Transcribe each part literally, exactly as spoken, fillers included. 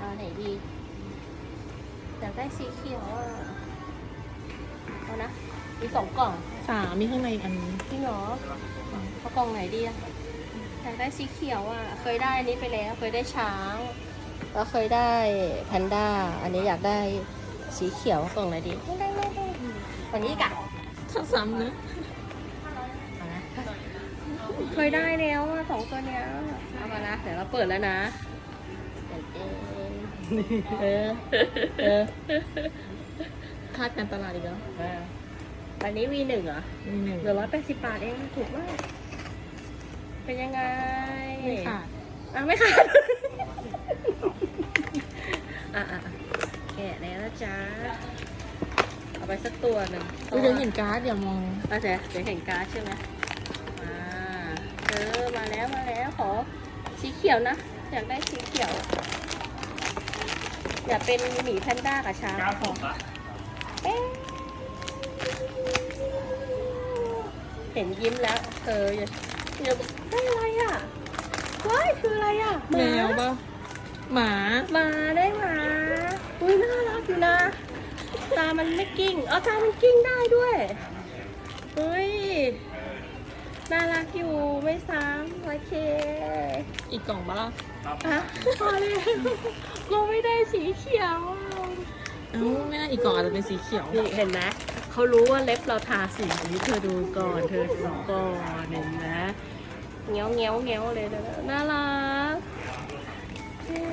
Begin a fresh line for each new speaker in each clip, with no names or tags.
ไหนดีอยากได้สีเขียวอ่ะเอานะมีสองกล่อง
สามมีข้างในอีกอันนึง
จริงเหรอเอากล่องไหนดีอะอยากได้สีเขียวอ่ะเคยได้อันนี้ไปแล้วเคยได้ช้างแล้วเคยได้แพนด้าอันนี้อยากได้สีเขียวกล่องไหนดีไม่ได้ไม่ได้กล่องนี้กะ
ถ้าซ้ำนะ
เอานะเคยได้แล้วอะสองตัวเนี้ยเอามานะเดี๋ยวเราเปิดแล้วนะเดี๋ยวเองเออเออ
คาดการตลาดอีกแล้ว
เออวันนี้วีหนึ่งเหรอ
มีหนึ่ง
เหลือร้อยแปดสิบบาทเองถูกมากเป็นยังไง
ไม่ขาด
อ่ะไม่ขาด อ่ะอ่ะอ่ะแกะแล้วนะจ๊ะเอาไปสักตัวหนึ่ง
เดี๋ยวเห็นการ์ดอย่ามอง
อ่ะเจ๊เดี๋ยวเห็นการ์ดใช่ไหมมาเออมาแล้วมาแล้วขอสีเขียวนะอยากได้สีเขียว อยากเป็นหมีแพนด้ากับช้างขอเอ๊ะเห็นยิ้มแล้วเธออย่าอย่าได้อะไรอ่ะว้ายคืออะไรอ่ะห
แม
มา
วปะหมา
หมาได้หมาอุ้ยน่ารักอยู่นะ ตามันไม่กิ้งเอ๋อตามันกิ้งได้ด้วยเฮ้ยน่ารักอยู่ไม่ซ้ำโอเค
อีกกล่องปะล่ะ
อ่ะพอแล้วเราไม่ได้สีเขียวอ่ะ
เอ้าไม่น่าอีกกล่องอาจจะเป็นสีเขียว
นี่เห็นไหมเขารู้ว่าเล็บเราทาสีนี้เธอดูก่อนเธอดูก่อนเห็นไหมเงี้ยวเงี้ยวเงี้ยวเลยนะน่ารักเย้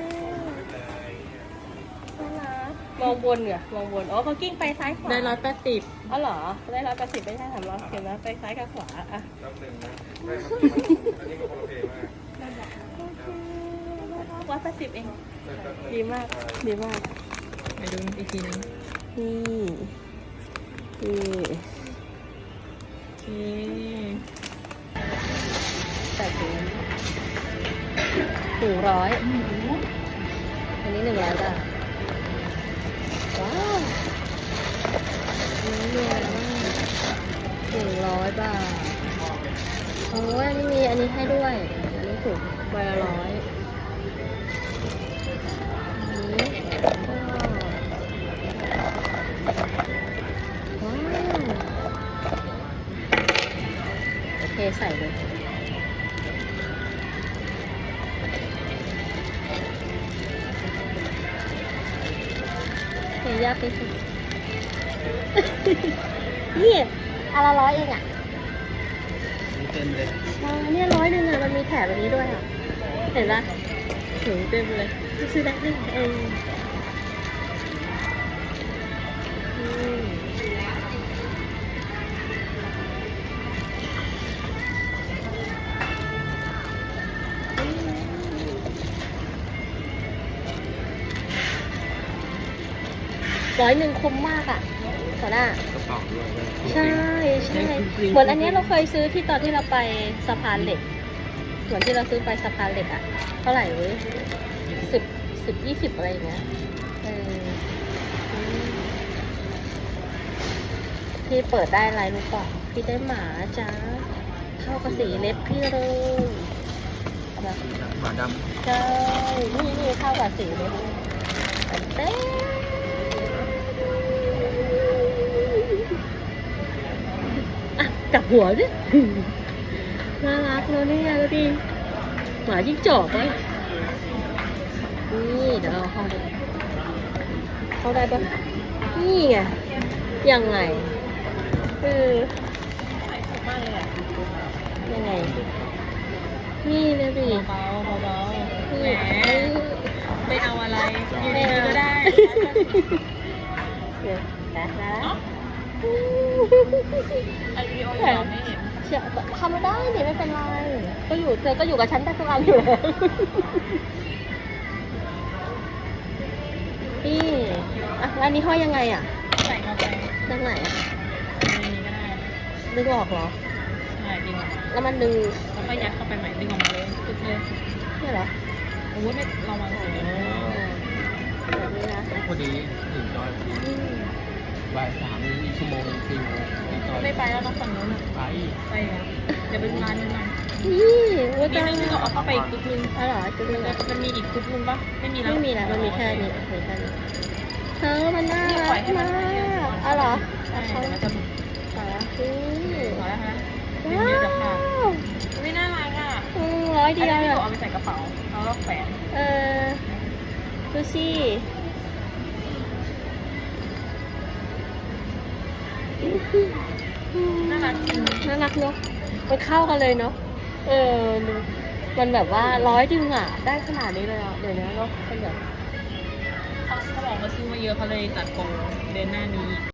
น่ารักมองบนเหรอมองบนอ๋อเขากิ้งไปซ้ายขวา
ได้ร้อยแปดสิบ
อ๋อเหรอได้ร้อยแปดสิบไม่ใช่สามร้อยเห็นไหมไปซ้ายกับขวาอ่ะ
แป๊บหนึ่งนะได้ครับอันนี้ก็โอเคมาก
โอเคร้อยแปดสิบเอง
ได้แป๊บหนึ่ง
ดีมากดีมาก
ไปดูอีกทีนึง
นี่นี่
โอเค
ใส่ถุงถุงร้อยอันนี้หนึ่งร้อยบาทว้าวนี่เนี่ยหนึ่งร้อยบาทโอ้ยอันนี้มีอันนี้ให้ด้วย อันนี้ถูกใบละร้อยอันนี้ก็ว้าวโอเคใส่เลยเฮียยากไปสุด นี่อนละร้อยเองอ่ะ
เต็มเลย
อ๋อเนี่ยร้อยหนึ่งอ่ะมันมีแถบแบบนี้ด้วยอ่ะ เห็นปะถึงเต็มเลยซื้อได้หนึ่งเองอืมร้อยหนึ่งคุ้มมากอ่ะต่อหน้า
กระเป๋าด้วย
ใช่ใช่เหมือนอันเนี้ยเราเคยซื้อที่ตอนที่เราไปสะพานเหล็ก เหมือนที่เราซื้อไปสะพานเหล็กอะเท่าไหร่เว้ยสิบสิบยี่สิบอะไรอย่างเงี้ยเอออืมพี่เปิดได้อะไรรู้ป่ะพี่ได้หมาจ้าเข้ากับสีเล็บพี่เลยแบบ
หมาด
ใช่นี่นี่เข้ากับสีเล็บเต้อ่ะจับหัวดิ น่ารักเลยเนี่ยดูดิหมาจิ้งจอกไหมนี่เดี๋ยวเราเข้าดูเข้าได้ปะนี่ไงยังไงเออมากเลยอ่ะยังไงนี่เลยดิ
เบาๆเบาๆ
นี่
แหมไม่เอาอะไรอยู่ดีๆก็ได้
เดี๋ยวนะนะ
อันวิดีโอเราไม่เห็น
เชื่อทำไม่ได้ดิไม่เป็นไรก็อยู่เธอก็อยู่กับฉันได้ทุกอันอยู่แล้วนี่อ่ะแล้วอันนี้ห้อยยังไงอ่ะ
ใส่เข้าไป
ด้านไหนอ่ะ
ในนี้ก็ได้
ดึงออกเหรอ
ใช่ดึงออก
แล้วมันดึง
แล้วก็ยัดเข้าไปใหม่ดึงออกมาเลยตึ๊บเลย
นี่เหรอ
โอ้ยไม่ระวังสิ
แบบนี้นะ
ำพอดีถึงจอย
อืม
บ่ายสามนี้อีกชั่วโมงสี่โมงถึงจอย
ไม่ไปแล้วต้องฝั่งนู้นอ่ะ
ไป
ไปอ่ะเดี๋ยวไปดูร้านนึงกัน
อนี่ว่า
นี่
จะ
นึงนี่ก็เอาเข้าไปอีกกรุ๊ปนึง
อ๋อเหรอจุดนึงอ่ะ
มันมีอีกกรุ๊ปนึงปะไม่มีแล้ว
ไม่มีแล้วมันมีแค่นี้มีแค่นี้เธอมันน่า
เนี่ย
รั
ปล่อย
ก
ให้มั
มาน
ไปเรื่อย
ก
ๆ
อ๋อเหรอ
ใช่เดี๋ยวมันจะบุก
อ๋ออืม
พอแล้วฮะเดี๋ยว
ว้า
เดี๋ยวจะขาด
ว
ไม่น่ารักอ่ะ
อืมร้อย
อัน
เดียว
นี้
เลย
พี่เอาไปใส่กระเป๋าแล้วก็แขวน
เออดูสิอืม
น่ารักจริง
น่ารักเนาะมันเข้ากันเลยเนาะเออมันแบบว่าร้อยดึงอ่ะ ได้ขนาดนี้เลยอ่ะเดี๋ยวนี้เนาะเป็นแบบ
เขาเขาบอกเขาซื้อมาเยอะเขาเลยจัดโปรเดือนหน้านี้